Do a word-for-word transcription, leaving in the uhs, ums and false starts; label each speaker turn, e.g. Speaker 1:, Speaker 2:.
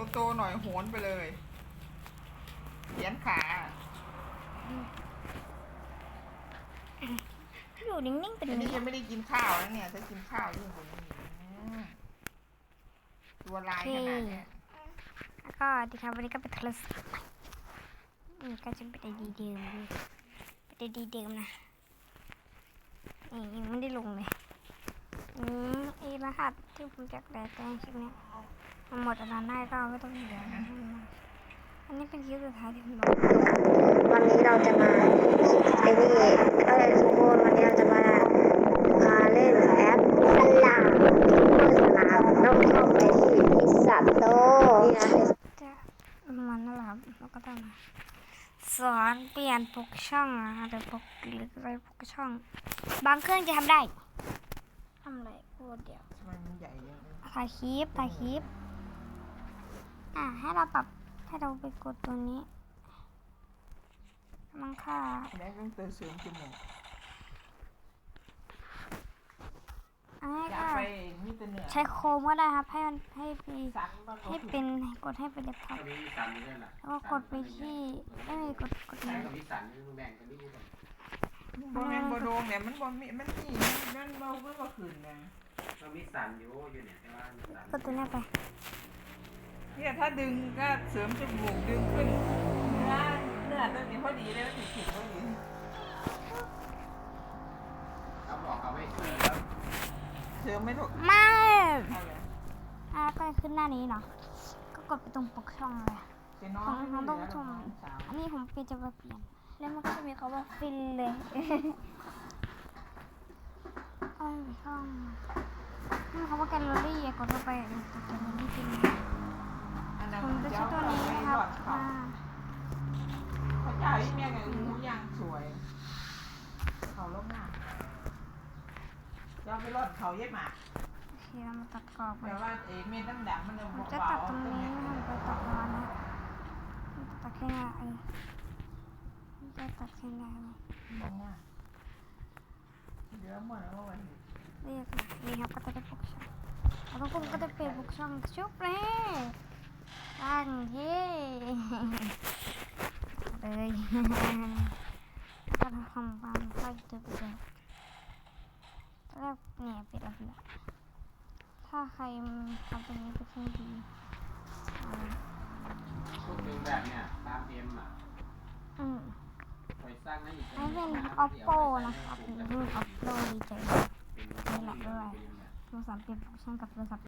Speaker 1: โตๆหน่อยโหนไปเลยเขียนขา
Speaker 2: อยู่นิ่งๆเป็น
Speaker 1: อันนี้
Speaker 2: นี้
Speaker 1: ยังไม่ได้กินข้าวนะเนี่ยถ้ากินข้าวยิ่งกว่านี้ตัวลายขนาดเนี้ย
Speaker 2: แล้วก็ดีครับวันนี้ก็เป็นโทรศัพท์นี่ก็จะเป็นไอดีเดิมเป็นไอดีเดิมนะนี่ยังไม่ได้ลงเลยอืมไอรหัสที่ผมจะแปลแต่งคลิปเนี้ยมันหมดอันนั้นได้ก็ไม่ต้องเหลืออันนี้เป็นคลิปสุดท้ายที่ผมลง
Speaker 3: วันนี้เราจะมาไอ้นี่เอ้ยทุกคนวันนี้เราจะมาพาเล่นแอปสลามสลามต้องเข้าไปที่พิซซ่าโตนี่นะ
Speaker 2: จะมันนั่นแหละครับแล้วก็ต้องมาสอนเปลี่ยนปกช่องนะคะหรือปกหรืออะไรปกช่อง บางเครื่องจะทำได้ทำอะไรพูดเดี๋ยว
Speaker 1: ทำไมมันใหญ่ยัง
Speaker 2: ถ่ายคลิปถ่ายคลิปอ่ะให้เราปรับให้เราไปกดตัวนี้มังค่า
Speaker 1: แม่ต้องเติมเสริมจมูก
Speaker 2: อันนี้
Speaker 1: อยาก
Speaker 2: ก็
Speaker 1: ไปนี่เป็นเหนือ
Speaker 2: ใช้โคมก็ได้ครับให้มันให้ไป
Speaker 1: สันบ้าง
Speaker 2: ให้เป็นกดให้เป็นเด็กท็อป
Speaker 4: ตอนนี้มีสันอยู่ด้วยล่ะ
Speaker 2: แล้วก็กดไปที่เอ้ยกดกด
Speaker 4: ใช้
Speaker 2: นี้
Speaker 4: กับวิสันนี่แบ่งกันนิดนึง
Speaker 1: บอแมนบอโดงเนี่ยมันบอมีมันนี่มันเบาเมื่อคืนนะ
Speaker 4: เรามีสันอยู่อยู่เนี่ยแต่ว่ามีสัน
Speaker 2: กดตัวนี้ไป
Speaker 1: เนี่ยถ้าดึงก็เสริมจมูกดึงขึ้นเนื้อเนื้อตัวนี้พอดีเลยมันถึงถึงพอดี
Speaker 4: เขาบอกเขาไม่เชื่อแล้ว
Speaker 1: เสริมไม่ถูก
Speaker 2: ไม่
Speaker 1: เอาเลย
Speaker 2: อ่ะก็ขึ้นหน้านี้เนาะก็กดไปตรงปกช่องเลย
Speaker 1: เป็นน้อ
Speaker 2: ของ
Speaker 1: ง
Speaker 2: ของต้องชม
Speaker 1: สาว
Speaker 2: อันนี้ผมเปลี่ยนจะมาเปลี่ยน แล้วมันก็จะมีคำว่าฟินเลยอ้อยช่องนี่คำว่าแกลเลอรี่กดเข้าไปนี่กดแกลเลอรี่ฟิน
Speaker 1: อันนั้น
Speaker 2: ผมจะใช้ตัวนี้นะครับอ่า
Speaker 1: เขาจ่ายแม่ไงหูยางสวย เขาลบหน้าย้อนไปรอดเขาเย็บหมา
Speaker 2: โอเคเรามาตัดกรอบกั
Speaker 1: แต่
Speaker 2: น
Speaker 1: ว่าเอเมนดำๆมันเลย
Speaker 2: ผมจะตัดตรงนี้ผมไปตัดประมาณนี้ตัดแค่นี้เออผมจะตัดแค่นี้เลย
Speaker 1: มองหน้าเดี๋ยวหมดแล้ววันนี้
Speaker 2: เรียกนะนี่ครับก็จะได้ปกช่องแล้วทุกคนก็จะเปลี่ยนปกช่องชุบเลยตั้งเย่เลยก็ทำความค่อยจะไปเลยแล้วเนี่ยปิดแล้วปิดแล้วถ้าใครทำตรงนี้เป็นเครื่องดีอ่า
Speaker 4: ชุดหนึ่งแบบเนี่ยตามเอ็มอ่ะ
Speaker 2: อืม
Speaker 4: ไปสร้างให้อีก
Speaker 2: อันนี้เป็น oppo นะครับนี่รุ่น oppo ดีเจนี่แหละด้วยโทรศัพท์เปลี่ยนฟังก์ชันกับโทรศัพท์